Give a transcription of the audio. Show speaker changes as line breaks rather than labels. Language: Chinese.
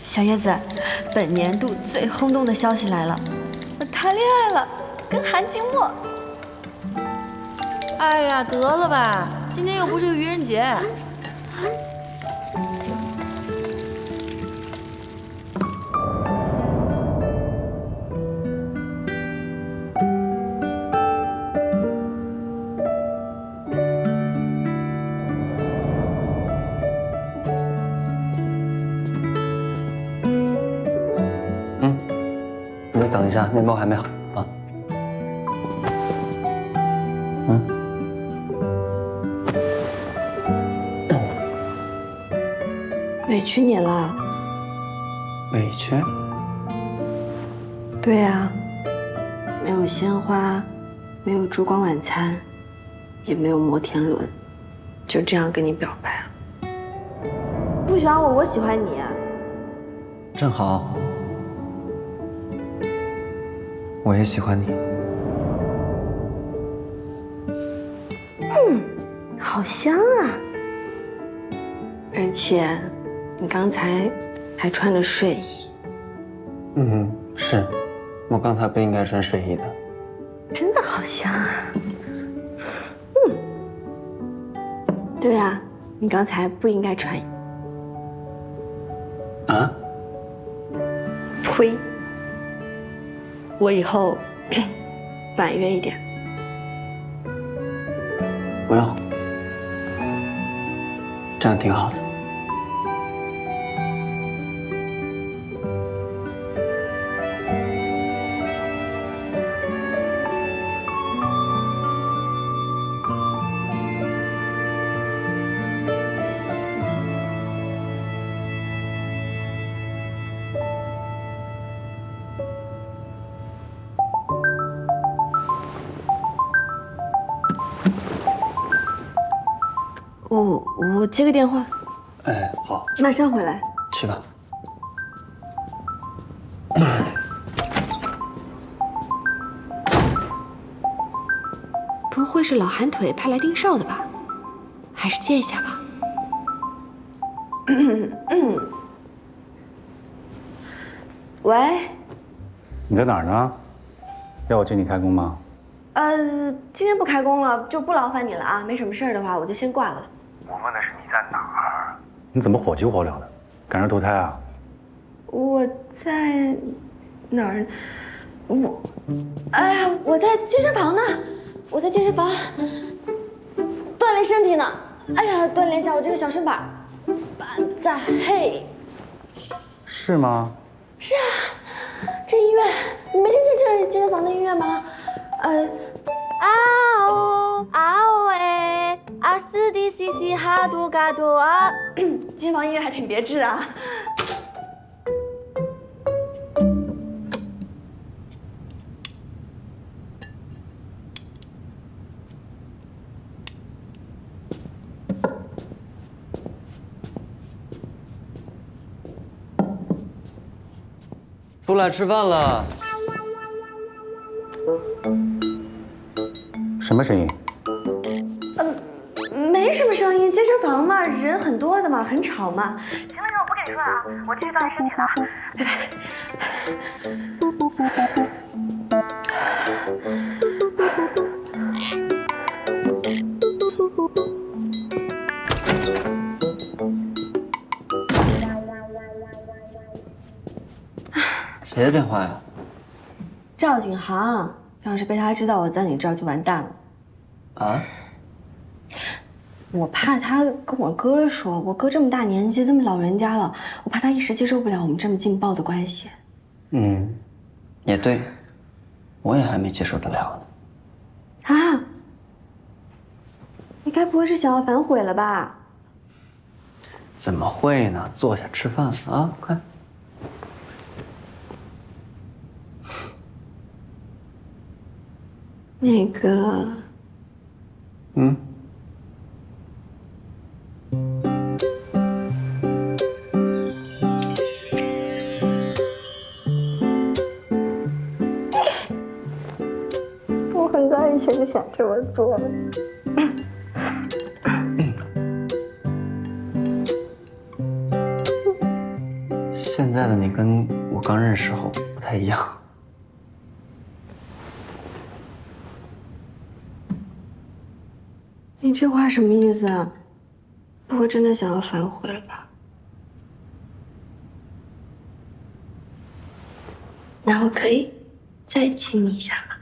小叶子，本年度最轰动的消息来了，我谈恋爱了，跟韩静默。
哎呀，得了吧，今天又不是愚人节。
你等一下，面包还没好啊。
委屈你了。
委屈？
对呀，没有鲜花，没有烛光晚餐，也没有摩天轮，就这样跟你表白了。不喜欢我，我喜欢你。
正好，我也喜欢你。
好香啊！而且，你刚才还穿着睡衣，
是，我刚才不应该穿睡衣的。
真的好香啊！对啊，你刚才不应该穿。
啊？
呸！我以后婉约一点。
不用，这样挺好的。
我接个电话，
哎，好，
马上回来。
去吧。
不会是老寒腿派来盯梢的吧？还是接一下吧。喂，
你在哪儿呢？要我接你开工吗？
今天不开工了，就不劳烦你了啊。没什么事儿的话，我就先挂了。
我问的是你在哪儿？你怎么火急火燎的？赶着投胎啊？
我在哪儿？哎呀，我在健身房呢，我在健身房锻炼身体呢。哎呀，锻炼一下我这个小身板。板在嘿。
是吗？
是啊，这音乐你没听见这健身房的音乐吗？啊哦啊哦哎啊斯迪西西哈多嘎多啊，健身房音乐还挺别致啊。
出来吃饭了。
什么声音？
没什么声音，健身房嘛，人很多的嘛，很吵嘛。行了，我不跟你说了啊，我继续锻炼身体了，拜拜。
谁的电话呀？
赵景航，要是被他知道我在你这儿就完蛋了。
啊？
我怕他跟我哥说，我哥这么大年纪，这么老人家了，我怕他一时接受不了我们这么劲爆的关系。
也对，我也还没接受得了
呢。啊？你该不会是想要反悔了吧？
怎么会呢？坐下吃饭啊，快。
那个，我很早以前就想这么做了。
现在的你跟我刚认识时候不太一样。
你这话什么意思啊？不会真的想要反悔了吧？那我可以再亲你一下吗？